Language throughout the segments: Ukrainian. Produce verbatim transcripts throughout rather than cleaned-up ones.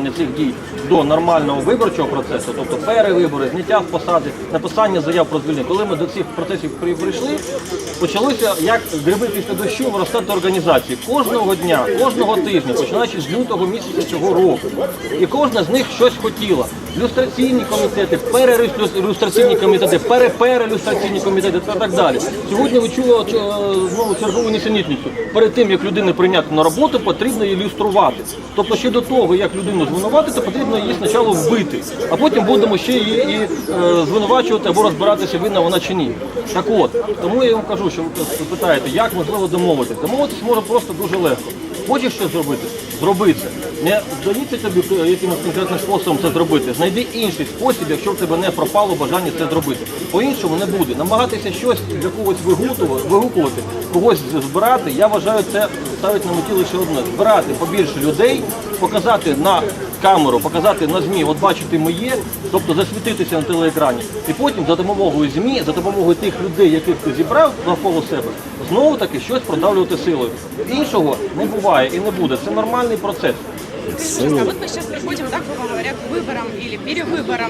виконання цих дій до нормального виборчого процесу, тобто перевибори, зняття з посади, написання заяв про звільнення. Коли ми до цих процесів прийшли, почалося, як гриби після дощу, виростати організації. Кожного дня, кожного тижня, починаючи з лютого місяця цього року. І кожна з них щось хотіла. Люстраційні комітети, перелюстраційні комітети, переперелюстраційні комітети та так далі. Сьогодні ви чули знову чергову нісенітницю. Перед тим, як людину прийняти на роботу, потрібно її люструвати. Тобто ще до того, як людину звинуватити, потрібно її спочатку вбити, а потім будемо ще її і, е, звинувачувати або розбиратися, винна вона чи ні. Так от, тому я вам кажу, що ви питаєте, як можливо домовитися. Домовитися може просто дуже легко. Хочеш щось зробити? Зроби це. Не здається тобі якимось конкретним способом це зробити. Знайди інший спосіб, якщо в тебе не пропало бажання це зробити. По-іншому не буде. Намагатися щось для когось вигукувати, когось збирати, я вважаю, це ставить на меті лише одне. Збирати побільше людей, показати на камеру, показати на ЗМІ, от бачите моє, тобто засвітитися на телеекрані. І потім за допомогою ЗМІ, за допомогою тих людей, яких ти зібрав навколо себе, знову-таки щось продавлювати силою. Іншого не буває і не буде. Це нормальний процес. А вот мы сейчас приходим, да, грубо говоря, к выборам или перевыборам,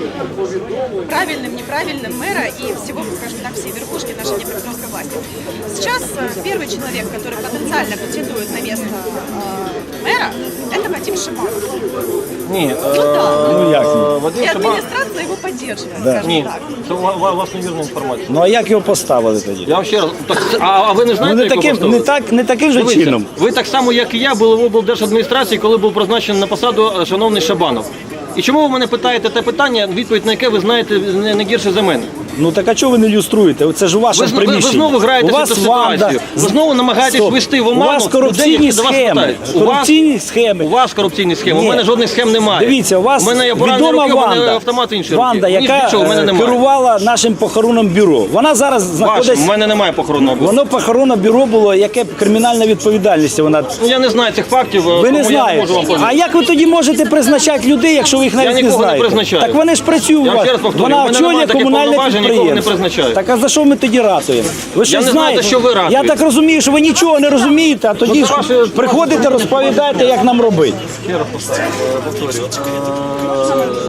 правильным, неправильным мэра и всего, скажем так, всей верхушки нашей Днепропетровской власти. Сейчас первый человек, который потенциально претендует на место э, мэра, это Вадим Шибанов. Ні, Ну да. Ну як ні? е, Вадим И Шибанов... администрация его поддерживает, Да. скажем Ні, так. це у ва- у вас невірна інформація. Ну а як його поставили тоді? Я вам ще раз, так, це- а, а ви не Ну знаєте, не як його таким, поставили? не так, не таким же Дивіться, чином. ви так само, як і я, були в облдержадміністрації, коли був призначений на посаду е, шановний Шабанов. І чому ви мене питаєте те питання, відповідь на яке ви знаєте не, не гірше за мене? Ну так а чого ви не люструєте? Це ж у Ви, вашому зн- ви, ви приміщенні. знову граєте У в вас цю ситуацію. ванда. Ви знову намагаєтесь Стоп. ввести в У оману вас людей, корупційні які до вас схеми. питають. У вас, Корупційні схеми. у вас корупційні схеми, Ні. у мене жодних схем немає. Дивіться, у вас у мене є поранені відома руки, у мене Ванда, автомат інший. Ванда, руки. яка Нічого, у мене е, немає. керувала нашим похоронним бюро. Вона зараз Ваше, знаходиться... у мене немає похоронного бюро. Воно похоронне бюро було, яке б кримінальна відповідальність вона... Ну, я не знаю цих фактів, Ви тому не я не знаєте. можу вам А powiedzieć. як ви тоді можете призначати людей, якщо ви їх навіть не нікого не знаєте? призначаю. Так вони ж працюють у Я вам вас. ще раз повторюю, Вона у мене немає очолює таких комунальне повноважень, нікого не підприємство. призначаю. Так а за що ми тоді ратуємо? Ви ж Я не знаю, знаєте, за що ви ратуєте. Я так розумію, що ви нічого не розумієте, а тоді Ну, ж це ваше- приходите, розповідаєте, як нам робити. Ще раз повторюю.